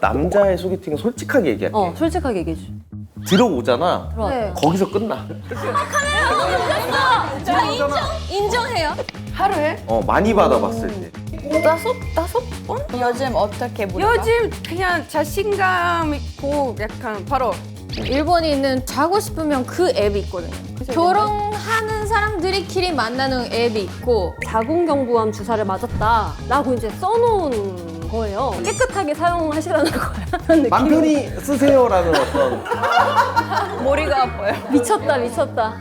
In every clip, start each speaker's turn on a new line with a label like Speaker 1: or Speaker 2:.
Speaker 1: 남자의 소개팅은 솔직하게 얘기할게.
Speaker 2: 솔직하게 얘기해줘.
Speaker 1: 들어오잖아.
Speaker 2: 네.
Speaker 1: 거기서 끝나.
Speaker 2: 인정해요.
Speaker 3: 하루에?
Speaker 1: 많이 받아봤을 때.
Speaker 3: 다섯 번? 요즘 어떻게 물어봐?
Speaker 4: 요즘 그냥 자신감 있고 약간 바로
Speaker 5: 일본인은 자고 싶으면 그 앱이 있거든요. 결혼하는 사람들이끼리 만나는 앱이 있고
Speaker 2: 자궁경부암 주사를 맞았다 라고 이제 써놓은 거예요. 깨끗하게 사용하시라는 거야.
Speaker 1: 맘 편히 쓰세요라는 어떤.
Speaker 3: 머리가 아파요.
Speaker 2: 미쳤다 미쳤다.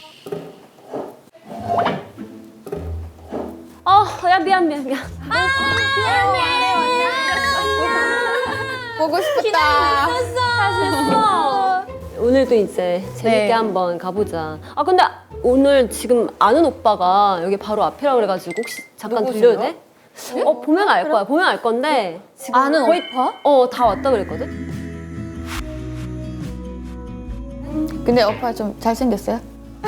Speaker 2: 야 미안.
Speaker 5: 미안해.
Speaker 3: 보고 싶다.
Speaker 2: 잘했어. 오늘도 이제 재밌게
Speaker 5: 네.
Speaker 2: 한번 가보자. 근데 오늘 지금 아는 오빠가 여기 바로 앞이라 그래가지고 혹시 잠깐 들려도 돼? 보면 알 거야. 보면 알 건데 지금
Speaker 5: 아는
Speaker 2: 거의
Speaker 5: 오빠?
Speaker 2: 다 왔다 그랬거든.
Speaker 3: 근데 오빠 좀 잘생겼어요?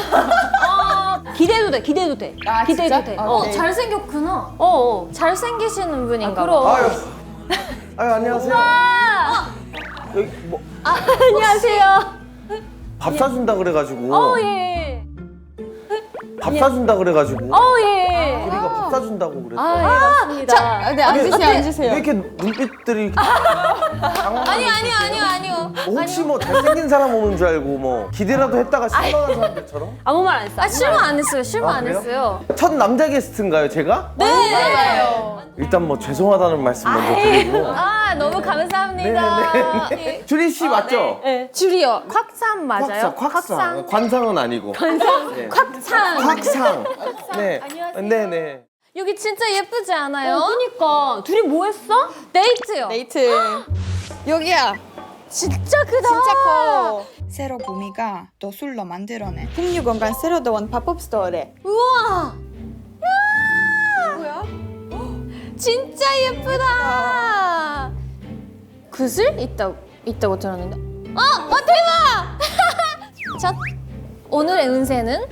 Speaker 2: 기대해도 돼. 기대해도 돼.
Speaker 3: 아,
Speaker 2: 기대해도
Speaker 3: 진짜?
Speaker 2: 돼.
Speaker 3: 오케이.
Speaker 5: 잘생겼구나. 잘생기시는 분인가
Speaker 2: 그럼.
Speaker 5: 봐.
Speaker 1: 아유 안녕하세요. 여기 뭐
Speaker 2: 안녕하세요.
Speaker 1: 밥 사준다 그래가지고.
Speaker 2: 예.
Speaker 1: 밥 사준다 그래가지고.
Speaker 2: 예.
Speaker 1: 우리가 밥 사준다고 그랬어.
Speaker 2: 예, 맞습니다.
Speaker 3: 네, 앉으세요, 앉으세요.
Speaker 1: 왜 이렇게 눈빛들이.
Speaker 5: 아니요.
Speaker 1: 뭐 혹시 뭐 잘생긴 사람 오는 줄 알고 뭐 기대라도 했다가 실망한 사람들처럼?
Speaker 2: 아무 말 안 했어.
Speaker 5: 실망 안 했어요. 실망 안
Speaker 1: 그래요?
Speaker 5: 했어요.
Speaker 1: 첫 남자 게스트인가요, 제가?
Speaker 5: 네. 맞아요.
Speaker 1: 일단 뭐 죄송하다는 말씀 먼저 드리고.
Speaker 5: 너무 감사합니다.
Speaker 1: 네. 주리 씨 맞죠?
Speaker 5: 줄이요. 콱산 맞아요?
Speaker 1: 곽상. 관상은 아니고. 네.
Speaker 5: 콱산.
Speaker 1: 곽상. 네. 네네.
Speaker 5: 여기 진짜 예쁘지 않아요?
Speaker 2: 그니까 둘이 뭐 했어?
Speaker 5: 데이트요.
Speaker 3: 데이트. 여기야.
Speaker 5: 진짜 크다.
Speaker 3: 진짜 커.
Speaker 6: 새로 구미가 또 술로 만들어낸 풍류 공간 새로 들어온 팝업 스토어래.
Speaker 5: 우와. 뭐야? 진짜 예쁘다. 그슬 있다고 들었는데. 대박! 자, 오늘의 운세는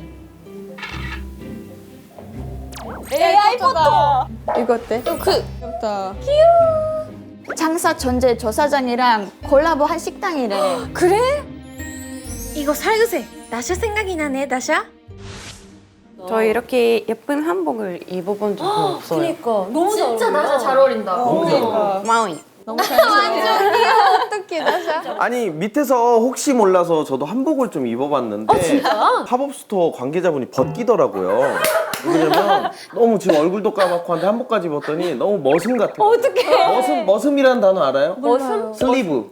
Speaker 3: AI 포토. 이거 어때?
Speaker 5: 그
Speaker 3: 귀엽다.
Speaker 6: 장사 전제 조사장이랑 콜라보 한 식당이래.
Speaker 5: 그래? 이거 살그세. 나샤 생각이 나네, 나샤.
Speaker 4: 저 이렇게 예쁜 한복을 입어본 적이 없어요.
Speaker 2: 그니까 너무
Speaker 5: 진짜 나샤 잘 어울린다.
Speaker 4: 고마워요.
Speaker 3: 너무 잘생겼어.
Speaker 5: 어떡해, 나샤.
Speaker 1: 아니 밑에서 혹시 몰라서 저도 한복을 좀 입어봤는데
Speaker 2: 진짜?
Speaker 1: 팝업 스토어 관계자분이 벗기더라고요. 왜냐면 너무 지금 얼굴도 까맣고 한데 한복까지 입었더니 너무 머슴 같아요.
Speaker 2: 어떡해.
Speaker 1: 머슴이라는 단어 알아요?
Speaker 2: 머슴?
Speaker 1: 슬리브.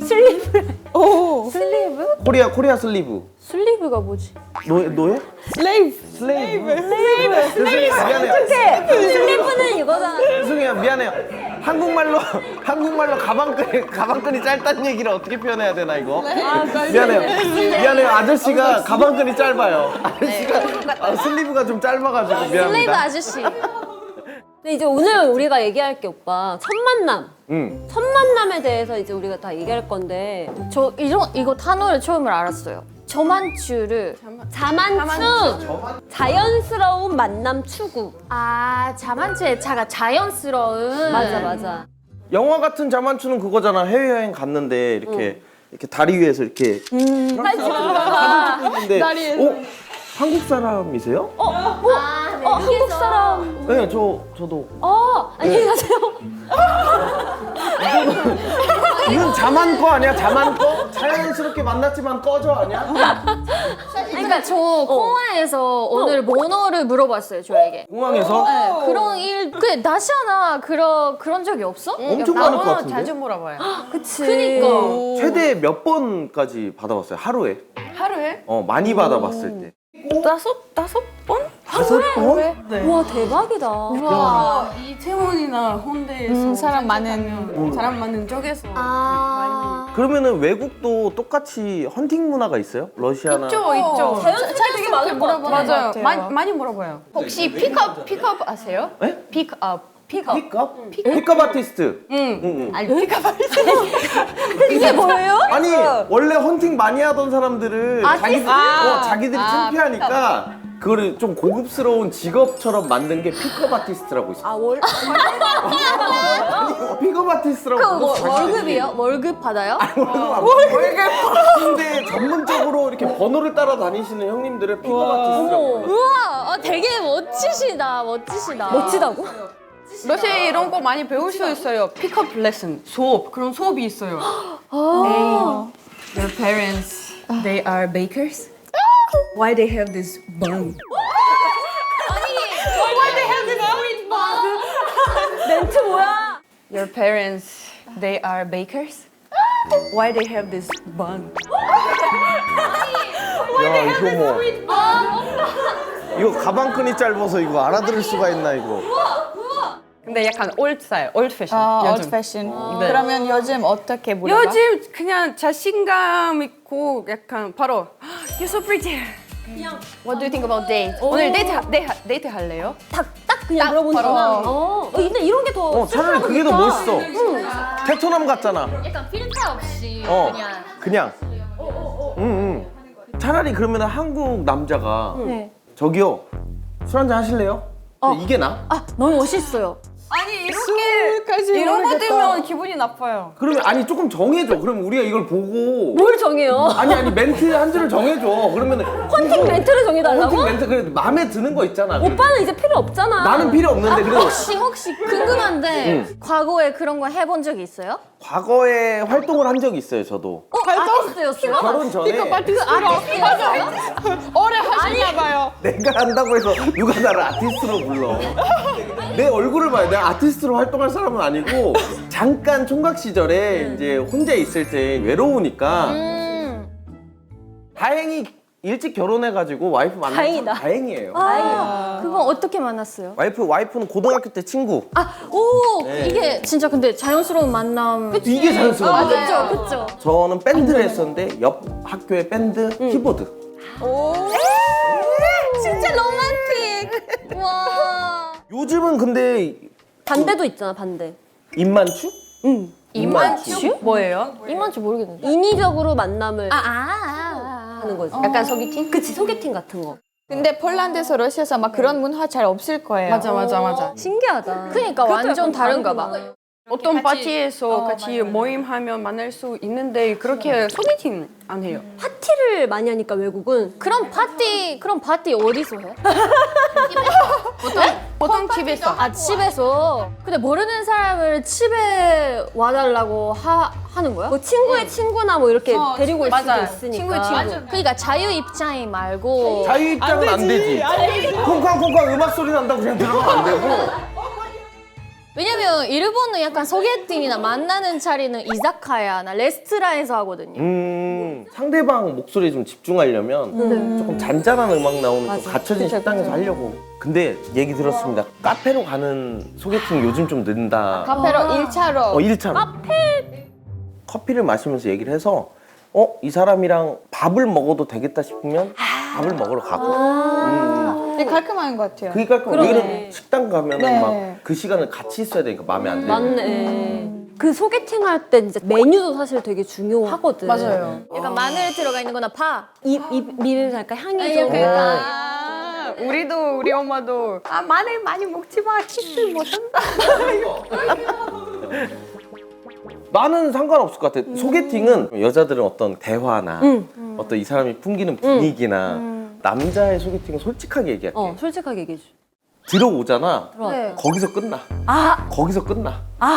Speaker 2: 슬리브?
Speaker 1: 코리아 슬리브.
Speaker 2: 슬리브가 뭐지?
Speaker 1: 노예? 슬레이브. 미안해요.
Speaker 2: 슬리브는 이거잖아.
Speaker 1: 죄송해요. 미안해요. 한국말로 가방끈이 짧다는 얘기를 어떻게 표현해야 되나 이거? 미안해요. 아저씨가 가방끈이 짧아요. 아저씨가 슬리브가 좀 짧아가지고 미안합니다.
Speaker 5: 슬레이브 아저씨.
Speaker 2: 근데 이제 오늘 우리가 얘기할 게 오빠 첫 만남. 첫 만남에 대해서 이제 우리가 다 얘기할 건데
Speaker 5: 저 이거 단어를 처음으로 알았어요. 저만추를
Speaker 2: 자만추. 자연스러운 만남 추구.
Speaker 5: 자만추의 자가 자연스러운.
Speaker 2: 맞아.
Speaker 1: 영화 같은 자만추는 그거잖아. 해외여행 갔는데 이렇게 다리 위에서 이렇게 사진 찍고 있는데 한국 사람이세요?
Speaker 2: 한국 사람.
Speaker 1: 네, 저도.
Speaker 2: 안녕히 가세요.
Speaker 1: 이건 자만꺼 아니야? 자만꺼? 자연스럽게 만났지만 꺼져 아니야?
Speaker 5: 그러니까 저 공항에서 오늘 번호를 물어봤어요, 저에게.
Speaker 1: 공항에서?
Speaker 5: 네, 그런 일, 나시아나 그런 적이 없어?
Speaker 1: 엄청 많을 것 같은데?
Speaker 4: 자주 물어봐요.
Speaker 5: 그치. 그니까.
Speaker 1: 최대 몇 번까지 받아봤어요? 하루에?
Speaker 4: 하루에?
Speaker 1: 많이 받아봤을 때.
Speaker 4: 다섯 번?
Speaker 1: 5번?
Speaker 2: 와 대박이다.
Speaker 4: 와, 이태원이나 홍대에서
Speaker 3: 사람 많은.
Speaker 4: 사람 많은 쪽에서
Speaker 1: 그러면은 외국도 똑같이 헌팅 문화가 있어요? 러시아나?
Speaker 4: 있죠.
Speaker 2: 자연스럽게 많을 것 같아.
Speaker 4: 맞아요. 많이 물어봐요.
Speaker 3: 혹시 픽업 아세요?
Speaker 1: 네?
Speaker 3: 픽업.
Speaker 1: 픽업? 픽업 아티스트. 응.
Speaker 3: 아니 픽업
Speaker 2: 이게 뭐예요?
Speaker 1: 아니 원래 헌팅 많이 하던 사람들을 자기들이 창피하니까 그거를 좀 고급스러운 직업처럼 만든 게 픽업 아티스트라고 있어.
Speaker 2: 아 월?
Speaker 1: 아니, 픽업 아티스트라고.
Speaker 5: 뭐,
Speaker 1: 자기들이.
Speaker 5: 월급이요? 월급 받아요?
Speaker 1: 월급. 근데 전문적으로 이렇게 번호를 따라 다니시는 형님들을 픽업 아티스트라고. 해요.
Speaker 5: 우와, 되게 멋지시다.
Speaker 2: 멋지다고?
Speaker 4: 러시아 이런 거 많이 배울 수 있어요. 픽업 레슨, 수업, 그런 수업이 있어요.
Speaker 7: Your parents, they are bakers? Why they have this bun?
Speaker 2: 멘트 뭐야?
Speaker 4: Your parents, they are bakers? Why they have this bun?
Speaker 1: 야 이거 뭐. 이거 가방끈이 짧아서 이거 알아들을 수가 있나 이거.
Speaker 4: 근데 약간 old style, old fashion.
Speaker 3: 아,
Speaker 4: 요즘.
Speaker 3: old fashion.
Speaker 4: 네.
Speaker 3: 그러면 요즘 어떻게 물어봐?
Speaker 4: 요즘 그냥 자신감 있고 약간 바로 You're so pretty. What do you think about date? 오늘 데이트 할래요?
Speaker 2: 딱 그냥 물어보는구나. 근데 이런 게 더.
Speaker 1: 차라리 그게 더 멋있어. 테토남 같잖아.
Speaker 5: 약간 필터 없이
Speaker 1: 그냥. 차라리 그러면 한국 남자가 저기요 술 한잔 하실래요? 이게 나?
Speaker 2: 너무 멋있어요.
Speaker 4: 아니 이렇게 이런 거 들으면 기분이 나빠요.
Speaker 1: 그러면 아니 조금 정해줘. 그럼 우리가 이걸 보고
Speaker 2: 뭘 정해요?
Speaker 1: 아니 멘트 한 줄을 정해줘. 그러면은
Speaker 2: 헌팅 멘트를 정해달라고?
Speaker 1: 헌팅 멘트 그래 마음에 드는 거 있잖아.
Speaker 2: 오빠는 이제 필요 없잖아.
Speaker 1: 나는 필요 없는데 그래도
Speaker 5: 혹시 궁금한데 과거에 그런 거 해본 적이 있어요?
Speaker 1: 과거에 활동을 한 적이 있어요. 저도
Speaker 2: 아티스트였어요?
Speaker 1: 결혼 전에
Speaker 3: 오래 하시나 봐요.
Speaker 1: 내가 한다고 해서 누가 나를 아티스트로 불러. 내 얼굴을 봐요. 내가 아티스트로 활동할 사람은 아니고 잠깐 총각 시절에 이제 혼자 있을 때 외로우니까 다행히 일찍 결혼해가지고 와이프 만나서
Speaker 2: 다행이다.
Speaker 1: 다행이에요.
Speaker 5: 그건 어떻게 만났어요?
Speaker 1: 와이프는 고등학교 때 친구. 네.
Speaker 5: 이게 진짜 근데 자연스러운 만남.
Speaker 1: 이게 자연스러워.
Speaker 5: 그쵸.
Speaker 1: 저는 밴드를 했었는데 옆 학교의 밴드 키보드.
Speaker 5: 진짜 로man틱. 와.
Speaker 1: 요즘은 근데
Speaker 2: 반대도 있잖아, 반대.
Speaker 1: 입만추?
Speaker 2: 응.
Speaker 1: 입만추?
Speaker 4: 뭐예요?
Speaker 5: 이만치 모르겠는데.
Speaker 2: 인위적으로 만남을
Speaker 5: 아.
Speaker 2: 하는 거지.
Speaker 4: 약간 소개팅?
Speaker 2: 그치, 소개팅 같은 거.
Speaker 3: 근데 폴란드에서 러시아에서 막 그런 문화 잘 없을 거예요.
Speaker 4: 맞아.
Speaker 2: 신기하다.
Speaker 5: 그러니까 완전 다른가 봐.
Speaker 4: 어떤 파티에서 같이 모임하면 만날 수 있는데 그렇게 소개팅 안 해요.
Speaker 2: 파티를 많이 하니까 외국은
Speaker 5: 그럼 파티 어디서 해?
Speaker 4: 보통 집에서.
Speaker 5: 집에서. 근데 모르는 사람을 집에 와달라고 하는 거야?
Speaker 2: 뭐 친구의 친구나 뭐 이렇게 데리고 올 수도
Speaker 4: 맞아요.
Speaker 2: 있으니까.
Speaker 4: 친구의 친구.
Speaker 5: 그러니까 자유 입장이 말고
Speaker 1: 자유 입장은 안 되지. 콩쾅콩쾅 음악 소리 난다고 그냥 들어가면 안 되고.
Speaker 5: 왜냐면 일본은 약간 소개팅이나 만나는 자리는 이자카야나 레스토랑에서 하거든요.
Speaker 1: 상대방 목소리에 좀 집중하려면 조금 잔잔한 음악 나오는 좀 갖춰진 식당에서 하려고. 근데 얘기 들었습니다. 카페로 가는 소개팅 요즘 좀 는다.
Speaker 3: 카페로 1차로.
Speaker 1: 1차로. 커피를 마시면서 얘기를 해서 이 사람이랑 밥을 먹어도 되겠다 싶으면 밥을 먹으러 가고.
Speaker 3: 되게 깔끔한 것 같아요.
Speaker 1: 그러니까 우리는 식당 가면
Speaker 3: 네.
Speaker 1: 막 그 시간을 같이 있어야 되니까 마음에 안 들고.
Speaker 2: 맞네. 그 소개팅 할 때 진짜 메뉴도 사실 되게 중요하거든.
Speaker 4: 맞아요.
Speaker 5: 약간 마늘 들어가 있는 거나 파.
Speaker 2: 미를 살까 향이 좀.
Speaker 4: 우리 엄마도 마늘 많이 먹지 마. 키스 못 한다.
Speaker 1: 나는 상관없을 것 같아. 소개팅은 여자들은 어떤 대화나 어떤 이 사람이 풍기는 분위기나 남자의 소개팅은 솔직하게 얘기할게.
Speaker 2: 솔직하게 얘기해 줘.
Speaker 1: 들어오잖아.
Speaker 5: 네.
Speaker 1: 거기서 끝나. 거기서 끝나.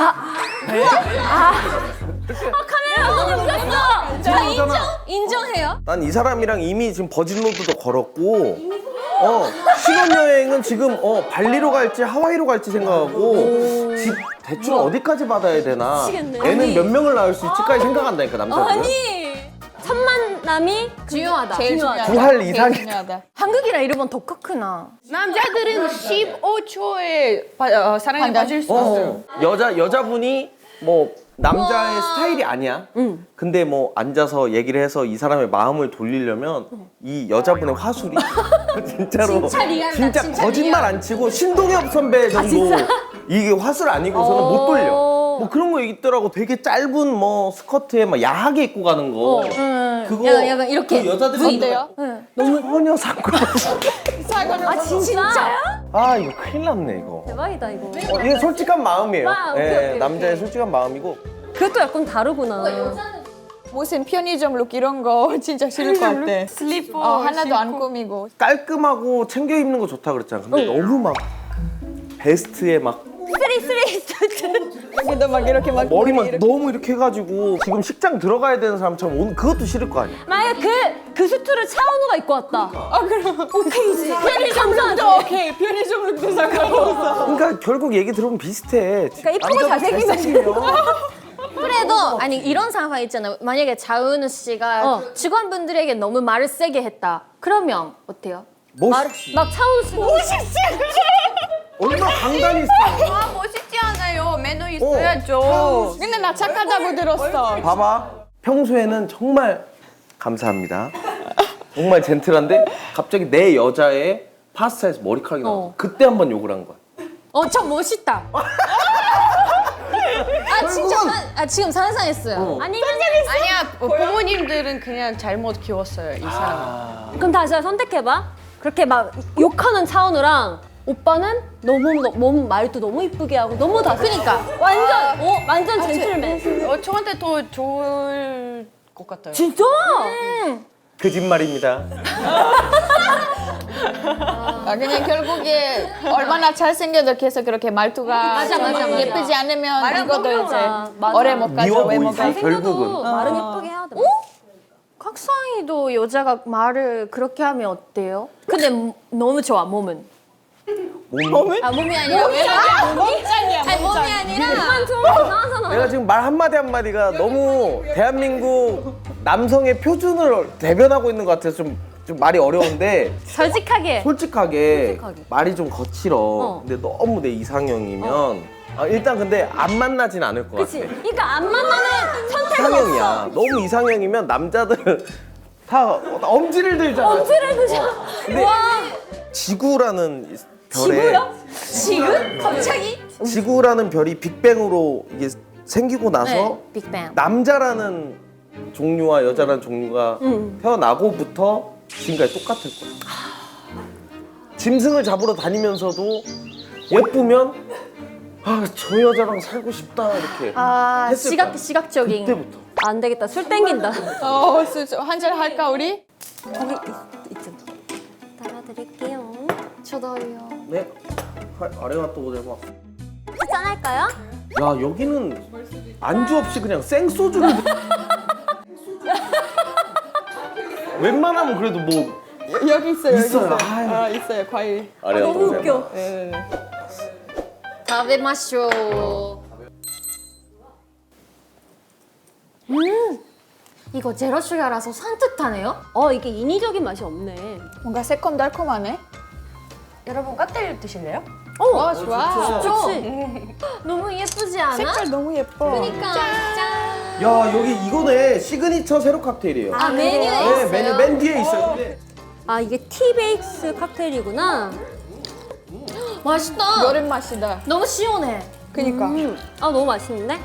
Speaker 5: 인정해요?
Speaker 1: 난 이 사람이랑 이미 지금 버진로드도 걸었고, 신혼여행은 지금 발리로 갈지 하와이로 갈지 생각하고, 집 대출 어디까지 받아야 되나,
Speaker 2: 미치겠네.
Speaker 1: 애는 몇 명을 낳을 수 있지까지 생각한다니까 남자들은.
Speaker 2: 첫 만남이
Speaker 5: 중요하다.
Speaker 3: 제일 중요하다.
Speaker 1: 두할
Speaker 3: 제일
Speaker 1: 이상이다.
Speaker 3: 중요하다.
Speaker 5: 한국이랑 일본 더 크구나.
Speaker 4: 남자들은 15초에 사랑에 빠질 수 있어요.
Speaker 1: 여자분이 뭐 남자의 스타일이 아니야. 근데 뭐 앉아서 얘기를 해서 이 사람의 마음을 돌리려면 이 여자분의 화술이 진짜로 진짜 거짓말 안 치고 신동엽 선배 정도 이게 화술 아니고서는 못 돌려. 뭐 그런 거 있더라고. 되게 짧은 뭐 스커트에 막 야하게 입고 가는 거. 그거
Speaker 5: 약간 이렇게.
Speaker 1: 그 여자들이
Speaker 6: 어때요?
Speaker 1: 전혀 상관없어.
Speaker 2: 아 진짜야?
Speaker 1: 아 이거 큰일 났네 이거.
Speaker 2: 대박이다 이거.
Speaker 1: 이게 솔직한 마음이에요.
Speaker 2: 아, 오케이,
Speaker 1: 예,
Speaker 2: 오케이,
Speaker 1: 남자의
Speaker 2: 오케이.
Speaker 1: 솔직한 마음이고.
Speaker 2: 그것도 약간 다르구나.
Speaker 6: 무슨 편의점 룩 이런 거 진짜 싫을 것 같아.
Speaker 4: 슬리퍼
Speaker 6: 하나도 안 꾸미고.
Speaker 1: 깔끔하고 챙겨 입는 거 좋다 그랬잖아. 근데 너무 막 베스트에 막
Speaker 6: 여기도 막 이렇게 막
Speaker 1: 머리만 너무 이렇게 해가지고 지금 식장 들어가야 되는 사람처럼 오늘 그것도 싫을 거 아니야.
Speaker 2: 만약에 그 수트를 차은우가 입고 왔다. 그럼 오케이지. 감사하지.
Speaker 6: 오케이 편의점 룩도 상관없어.
Speaker 1: 그러니까 결국 얘기 들어보면 비슷해.
Speaker 2: 그러니까 이쁘고 잘생기면
Speaker 5: 그래도 아니 이런 상황 있잖아요. 만약에 자은우 씨가 직원분들에게 너무 말을 세게 했다. 그러면 어때요?
Speaker 1: 멋있지.
Speaker 2: 막 차은우 씨가
Speaker 1: 얼마나 강단이 있어.
Speaker 4: 아 멋있지 않아요. 매너 있어야죠.
Speaker 6: 근데 나 착하다고 들었어.
Speaker 1: 봐봐. 평소에는 정말 감사합니다. 정말 젠틀한데 갑자기 내 여자의 파스타에서 머리카락이 나와. 그때 한번 욕을 한 거야.
Speaker 5: 엄청 멋있다. 진짜 지금 상상했어요.
Speaker 2: 아니면
Speaker 4: 아니야 부모님들은 그냥 잘못 키웠어요 이 사람은.
Speaker 2: 그럼 다시 선택해봐. 그렇게 막 욕하는 차은우랑 오빠는 너무 말도 너무 이쁘게 하고 너무 다. 그러니까 완전 젠틀맨.
Speaker 4: 저한테 더 좋을 것 같아요.
Speaker 2: 진짜?
Speaker 1: 거짓말입니다.
Speaker 6: 그냥 결국에 얼마나 잘생겨도 계속 그렇게 말투가
Speaker 5: 맞아.
Speaker 6: 예쁘지 않으면 이것도 이제
Speaker 2: 맞아.
Speaker 6: 오래 못 가죠.
Speaker 1: 미워
Speaker 6: 외모가.
Speaker 1: 보이지 결국은.
Speaker 2: 말은 예쁘게 해야 돼.
Speaker 5: 각상이도 여자가 말을 그렇게 하면 어때요? 근데 너무 좋아 몸은.
Speaker 1: 몸이?
Speaker 5: 아 몸이 아니라
Speaker 6: 몸짱이야.
Speaker 5: 아니 몸이 아니라
Speaker 2: 좀 이상하잖아.
Speaker 1: 내가 지금 말 한마디 한마디가 너무 대한민국 남성의 표준을 대변하고 있는 것 같아서 좀 말이 어려운데
Speaker 2: 솔직하게.
Speaker 1: 솔직하게 말이 좀 거칠어. 근데 너무 내 이상형이면 일단 근데 안 만나진 않을 것
Speaker 2: 그치?
Speaker 1: 같아.
Speaker 2: 그러니까 안 만나는 선택은
Speaker 1: 이상형이야.
Speaker 2: 없어.
Speaker 1: 너무 이상형이면 남자들은 다 엄지를 들잖아.
Speaker 2: 엄지를 드셔.
Speaker 1: 근데
Speaker 2: 와.
Speaker 1: 지구라는 별에
Speaker 2: 지구요?
Speaker 5: 지금 갑자기
Speaker 1: 지구라는 별이 빅뱅으로 이게 생기고 나서
Speaker 5: 빅뱅.
Speaker 1: 남자라는 종류와 여자라는 종류가 태어나고부터 지금까지 똑같을 거야. 짐승을 잡으러 다니면서도 예쁘면 저 여자랑 살고 싶다 이렇게 했을 거야.
Speaker 5: 시각적인.
Speaker 1: 그때부터.
Speaker 2: 안 되겠다. 술 땡긴다.
Speaker 6: 한잔 할까 우리?
Speaker 2: 따라드릴게요.
Speaker 5: 저도요.
Speaker 1: 네. 아래가 또 오늘 막.
Speaker 2: 짠할까요?
Speaker 1: 야 여기는 안주 없이 그냥 생소주를. 웬만하면 그래도 뭐
Speaker 6: 여기 있어요.
Speaker 1: 있어요.
Speaker 6: 여기 있어요. 있어요. 과일.
Speaker 1: 아래가
Speaker 2: 너무 웃겨.
Speaker 5: 다베 마쇼. 이거 제로 슈가라서 산뜻하네요.
Speaker 2: 이게 인위적인 맛이 없네.
Speaker 6: 뭔가 새콤달콤하네.
Speaker 4: 여러분 칵테일 드실래요?
Speaker 6: 좋아.
Speaker 2: 그치?
Speaker 5: 너무 예쁘지 않아?
Speaker 6: 색깔 너무 예뻐.
Speaker 5: 그러니까 짠.
Speaker 1: 야 여기 이거네 시그니처 세로 칵테일이에요.
Speaker 5: 메뉴에
Speaker 1: 네
Speaker 5: 있어요.
Speaker 1: 메뉴 맨 뒤에 있어요. 근데
Speaker 2: 아 이게 티베이스 칵테일이구나.
Speaker 5: 맛있다.
Speaker 6: 여름 맛이다.
Speaker 5: 너무 시원해.
Speaker 6: 그니까.
Speaker 2: 너무 맛있는데?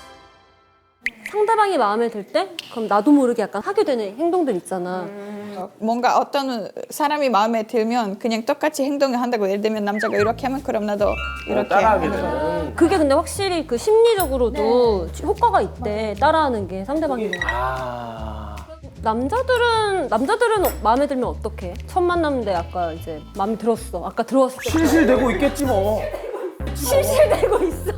Speaker 2: 상대방이 마음에 들 때? 그럼 나도 모르게 약간 하게 되는 행동들 있잖아.
Speaker 6: 뭔가 어떤 사람이 마음에 들면 그냥 똑같이 행동을 한다고. 예를 들면 남자가 이렇게 하면 그럼 나도 이렇게
Speaker 1: 따라하게
Speaker 6: 하는 거.
Speaker 1: 되는.
Speaker 2: 그게 근데 확실히 그 심리적으로도 효과가 있대. 따라하는 게 상대방이. 남자들은 마음에 들면 어떡해? 첫 만남인데 아까 이제 마음에 들었어. 아까 들어왔을 때
Speaker 1: 실실되고 있겠지 뭐.
Speaker 2: 실실대고 있어.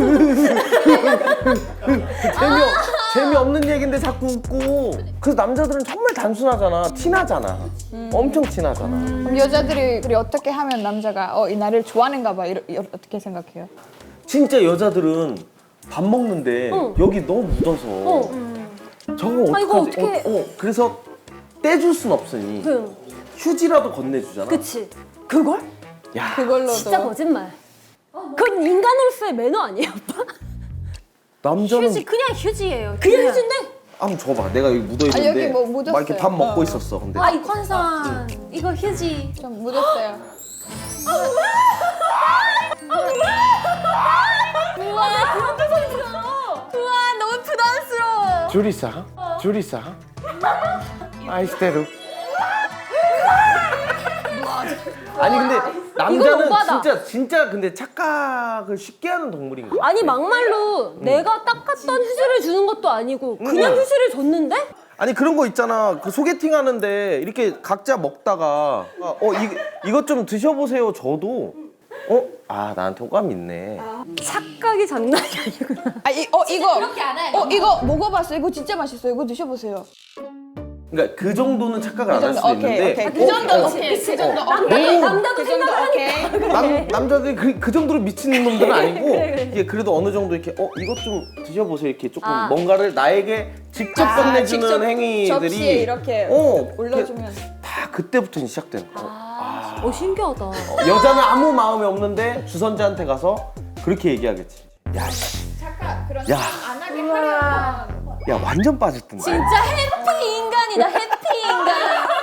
Speaker 1: 재미없는 얘긴데 자꾸 웃고. 그래서 남자들은 정말 단순하잖아. 티나잖아. 엄청 티나잖아.
Speaker 6: 그럼 여자들이 그래 어떻게 하면 남자가 이 나를 좋아하는가 봐. 어떻게 생각해요?
Speaker 1: 진짜 여자들은 밥 먹는데 여기 너무 묻어서 저거 어떡하지?
Speaker 2: 이거 어떡해.
Speaker 1: 그래서 떼줄 순 없으니 휴지라도 건네주잖아.
Speaker 2: 그치? 그걸?
Speaker 1: 야,
Speaker 6: 그걸로도.
Speaker 2: 진짜 거짓말. 그건 인간으로서의 매너 아니에요, 오빠?
Speaker 1: 남자는
Speaker 5: 그냥 휴지예요.
Speaker 2: 그냥 휴지인데?
Speaker 1: 한번 줘봐. 내가 여기 묻어있는데
Speaker 6: 여기 뭐 묻었어요.
Speaker 1: 막 이렇게 밥 먹고 있었어. 근데
Speaker 5: 이 컨선 이거 휴지.
Speaker 6: 좀 묻었어요.
Speaker 2: 그런 표정이 들어.
Speaker 5: 우와 너무 부담스러워.
Speaker 1: 주리사 주리사 아이스테루. 아니 근데 남자는
Speaker 2: 오바다.
Speaker 1: 진짜 근데 착각을 쉽게 하는 동물인가?
Speaker 2: 아니 막말로 내가 닦았던 휴지를 주는 것도 아니고 그냥 휴지를 줬는데?
Speaker 1: 아니 그런 거 있잖아. 그 소개팅 하는데 이렇게 각자 먹다가 이것 좀 드셔보세요. 저도 나한테 호감 있네.
Speaker 2: 착각이 장난이 아니구나.
Speaker 6: 이거 먹어봤어요. 이거 진짜 맛있어요. 이거 드셔보세요.
Speaker 1: 그러니까 그 정도는 착각을 안 할 수도 있는데
Speaker 6: 그 정도 오케이. 그 정도 오케이.
Speaker 2: 남자도 생각을 하니까.
Speaker 1: 남자들이 그 정도로 미친 놈들은 아니고 이게 그래도 어느 정도 이렇게 이것 좀 드셔보세요. 이렇게 조금 뭔가를 나에게 직접 건네주는
Speaker 6: 직접
Speaker 1: 행위들이
Speaker 6: 접시에 이렇게 올려주면.
Speaker 1: 다 그때부터 시작되는 거야.
Speaker 2: 신기하다.
Speaker 1: 여자는 아무 마음이 없는데 주선자한테 가서 그렇게 얘기하겠지. 야, 야,
Speaker 6: 안 하게 하려면.
Speaker 1: 야 완전 빠졌던데.
Speaker 5: 진짜 해피 인간이다. 해피 인간.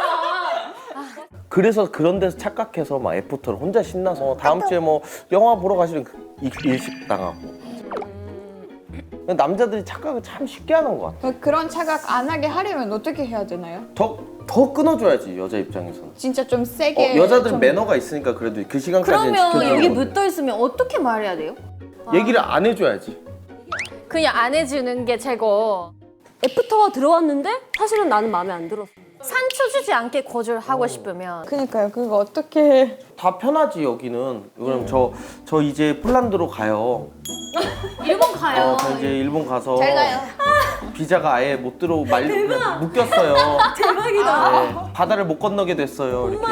Speaker 1: 그래서 그런 데서 착각해서 막 애프터를 혼자 신나서 다음 주에 뭐 영화 보러 가시는 일식 당하고. 남자들이 착각을 참 쉽게 하는 것 같아.
Speaker 6: 그런 착각 안 하게 하려면 어떻게 해야 되나요?
Speaker 1: 더 끊어줘야지 여자 입장에서는.
Speaker 6: 진짜 좀 세게.
Speaker 1: 여자들은
Speaker 6: 좀-
Speaker 1: 매너가 있으니까 그래도 그 시간까지는
Speaker 5: 그러면
Speaker 1: 지켜주는
Speaker 5: 여기
Speaker 1: 건데.
Speaker 5: 붙어 있으면 어떻게 말해야 돼요?
Speaker 1: 얘기를 안 해줘야지.
Speaker 5: 그냥 안 해주는 게 최고.
Speaker 2: 애프터가 들어왔는데 사실은 나는 마음에 안 들었어.
Speaker 5: 상처 주지 않게 거절하고 싶으면
Speaker 6: 그러니까요. 그거 어떻게?
Speaker 1: 다 편하지 여기는. 그럼 저 이제 폴란드로 가요.
Speaker 5: 일본 가요.
Speaker 1: 저 이제 일본 가서
Speaker 6: 잘 가요.
Speaker 1: 비자가 아예 못 들어 묶였어요. 대박이다. 바다를 못 건너게 됐어요. 이렇게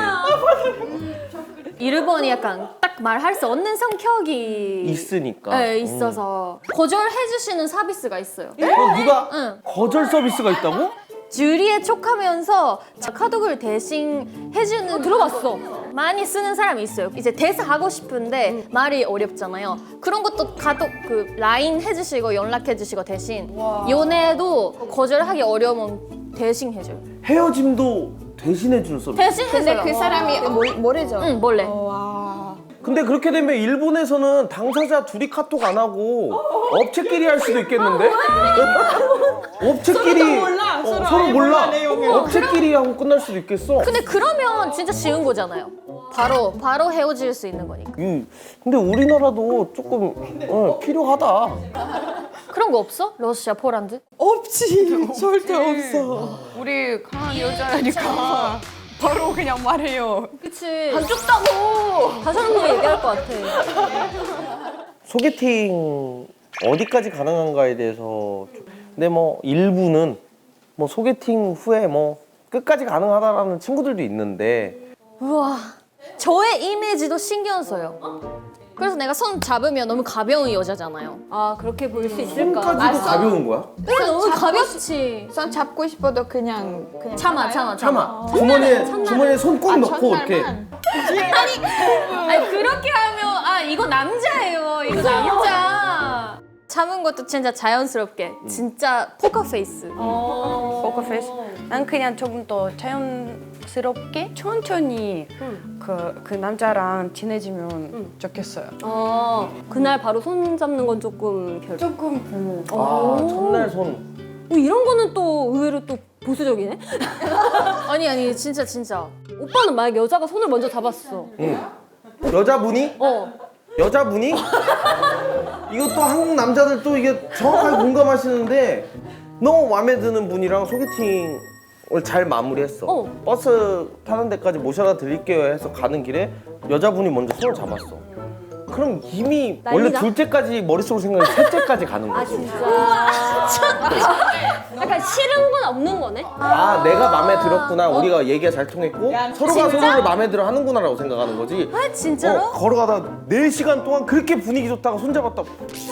Speaker 5: 일본이 약간 딱 말할 수 없는 성격이
Speaker 1: 있으니까.
Speaker 5: 네, 있어서 거절해 주시는 서비스가 있어요.
Speaker 1: 누가
Speaker 5: 응.
Speaker 1: 거절 서비스가 있다고?
Speaker 5: 주리에 촉하면서 카톡을 대신 해주는
Speaker 2: 들어봤어.
Speaker 5: 많이 쓰는 사람이 있어요. 이제 대사 하고 싶은데 말이 어렵잖아요. 그런 것도 카톡 그 라인 해주시고 연락해주시고 대신 연애도 거절하기 어려우면 대신 해줘요.
Speaker 1: 헤어짐도 대신해 주는 서비스.
Speaker 5: 대신
Speaker 6: 근데
Speaker 5: 해줘요.
Speaker 6: 그 사람이 모르죠.
Speaker 5: 응 몰래.
Speaker 6: 와.
Speaker 1: 근데 그렇게 되면 일본에서는 당사자 둘이 카톡 안 하고 업체끼리 할 수도 있겠는데? 업체끼리 서로 몰라. 업체끼리 하고 끝날 수도 있겠어.
Speaker 5: 근데 그러면 진짜 쉬운 거잖아요. 바로 헤어질 수 있는 거니까.
Speaker 1: 근데 우리나라도 조금 필요하다.
Speaker 5: 그런 거 없어? 러시아, 폴란드?
Speaker 6: 없지. 절대 없어.
Speaker 4: 우리 강한 여자니까 바로 그냥 말해요.
Speaker 2: 그치.
Speaker 4: 안 좁다고.
Speaker 2: 다시 한 번 얘기할 것 같아.
Speaker 1: 소개팅 어디까지 가능한가에 대해서 근데 뭐 일부는 뭐 소개팅 후에 뭐 끝까지 가능하다라는 친구들도 있는데
Speaker 5: 우와, 저의 이미지도 신경 써요. 그래서 내가 손 잡으면 너무 가벼운 여자잖아요.
Speaker 2: 아 그렇게 보일 수 있을까?
Speaker 1: 손까지도 가벼운 거야?
Speaker 5: 그래 너무 가볍지.
Speaker 6: 손 잡고 싶어도 그냥
Speaker 5: 참아.
Speaker 1: 주머니에 손 꼭 넣고 이렇게
Speaker 5: 아니 그렇게 하면 이거 남자예요. 이거 남자. 참은 것도 진짜 자연스럽게. 진짜 포커 페이스.
Speaker 4: 포커페이스. 난 그냥 조금 더 자연스럽게 천천히 그 남자랑 친해지면 좋겠어요.
Speaker 2: 그날 바로 손 잡는 건 조금
Speaker 4: 조금
Speaker 1: 첫날 손
Speaker 2: 이런 거는 또 의외로 또 보수적이네.
Speaker 5: 아니 진짜.
Speaker 2: 오빠는 만약 여자가 손을 먼저 잡았어.
Speaker 1: 여자분이? 여자분이? 이것도 한국 남자들 또 이게 정확하게 공감하시는데 너무 마음에 드는 분이랑 소개팅을 잘 마무리했어. 버스 타는 데까지 모셔다 드릴게요 해서 가는 길에 여자분이 먼저 손을 잡았어. 그럼 이미 원래
Speaker 2: 난리다?
Speaker 1: 둘째까지 머릿속으로 생각해 셋째까지 가는 거지.
Speaker 2: 약간 싫은 건 없는 거네.
Speaker 1: 내가 마음에 들었구나. 우리가 얘기가 잘 통했고 서로가 서로를 마음에 들어 하는구나라고 생각하는 거지.
Speaker 5: 진짜로?
Speaker 1: 걸어가다 4시간 동안 그렇게 분위기 좋다가 손잡았다고.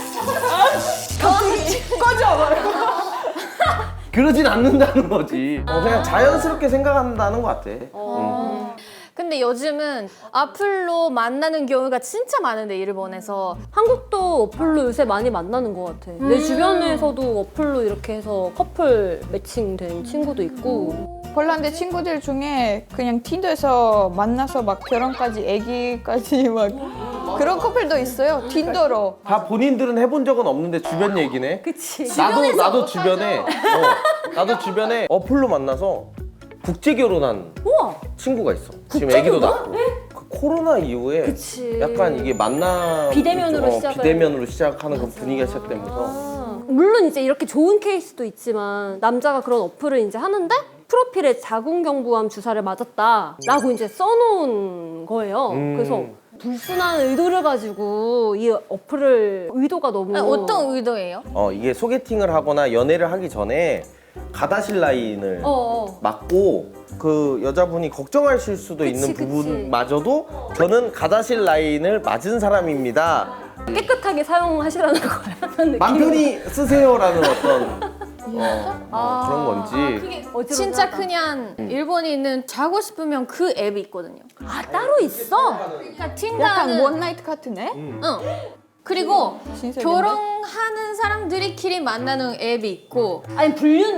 Speaker 1: 그러진 않는다는 거지. 그냥 자연스럽게 생각한다는 것 같아.
Speaker 5: 근데 요즘은 어플로 만나는 경우가 진짜 많은데 일본에서.
Speaker 2: 한국도 어플로 요새 많이 만나는 것 같아. 내 주변에서도 어플로 이렇게 해서 커플 매칭된 친구도 있고.
Speaker 6: 폴란드 친구들 중에 그냥 틴더에서 만나서 막 결혼까지 애기까지 막 그런 커플도 있어요. 틴더로.
Speaker 1: 다 본인들은 해본 적은 없는데 주변 얘기네.
Speaker 2: 그치.
Speaker 1: 나도 주변에 나도 주변에 어플로 만나서 국제 결혼한
Speaker 2: 우와.
Speaker 1: 친구가 있어. 지금 아기도 낳고. 그 코로나 이후에
Speaker 2: 그치.
Speaker 1: 약간 이게 만남
Speaker 2: 비대면으로 시작을-
Speaker 1: 비대면으로 시작하는 그 분위기가 시작되면서
Speaker 2: 물론 이제 이렇게 좋은 케이스도 있지만 남자가 그런 어플을 이제 하는데 프로필에 자궁경부암 주사를 맞았다라고 이제 써놓은 거예요. 그래서 불순한 의도를 가지고 이 어플을 의도가 너무
Speaker 5: 아니, 어떤 의도예요?
Speaker 1: 이게 소개팅을 하거나 연애를 하기 전에 가다실 라인을 맞고 그 여자분이 걱정하실 수도 있는
Speaker 2: 그치.
Speaker 1: 부분마저도 저는 가다실 라인을 맞은 사람입니다.
Speaker 2: 깨끗하게 사용하시라는 거예요. 느낌.
Speaker 1: 맘 편히 쓰세요라는 어떤 그런 건지.
Speaker 5: 진짜 그냥 일본에 있는 자고 싶으면 그 앱이 있거든요.
Speaker 2: 아 따로 있어?
Speaker 5: 그러니까
Speaker 6: 약간
Speaker 5: 틴다는
Speaker 6: 원나이트 같은 애?
Speaker 5: 응. 그리고
Speaker 6: 신세계인데?
Speaker 5: 결혼하는 사람들끼리 만나는 앱이 있고
Speaker 2: 아니 불륜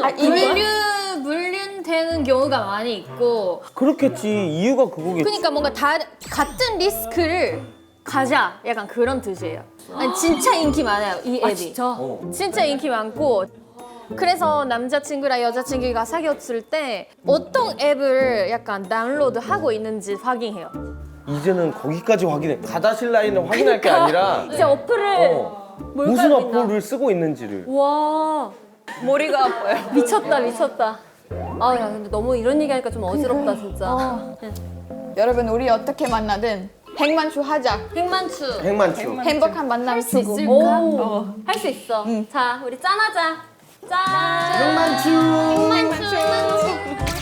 Speaker 5: 불륜되는 경우가 많이 있고
Speaker 1: 그렇겠지. 이유가 그거겠지.
Speaker 5: 그러니까 뭔가 같은 리스크를 가자 약간 그런 뜻이에요. 아니, 진짜 인기 많아요 이 앱이.
Speaker 2: 진짜?
Speaker 5: 진짜 인기 많고 그래서 남자친구랑 여자친구가 사귀었을 때 어떤 앱을 약간 다운로드하고 있는지 확인해요.
Speaker 1: 이제는 거기까지 확인해. 가다실 라인을 확인할 게 아니라
Speaker 2: 이제 어플을 뭘
Speaker 1: 무슨
Speaker 2: 깔고 있나?
Speaker 1: 어플을 쓰고 있는지를.
Speaker 2: 와
Speaker 4: 머리가 아파요.
Speaker 2: 미쳤다. 아 야 근데 너무 이런 얘기하니까 좀 어지럽다 진짜.
Speaker 6: 여러분 우리 어떻게 만나든 100만 주 하자.
Speaker 5: 백만추.
Speaker 1: 행만추.
Speaker 6: 행복한 만남 주고.
Speaker 2: 할 수 있어. 자 우리 짠하자. 짠.
Speaker 1: 행만추.
Speaker 5: 백만추.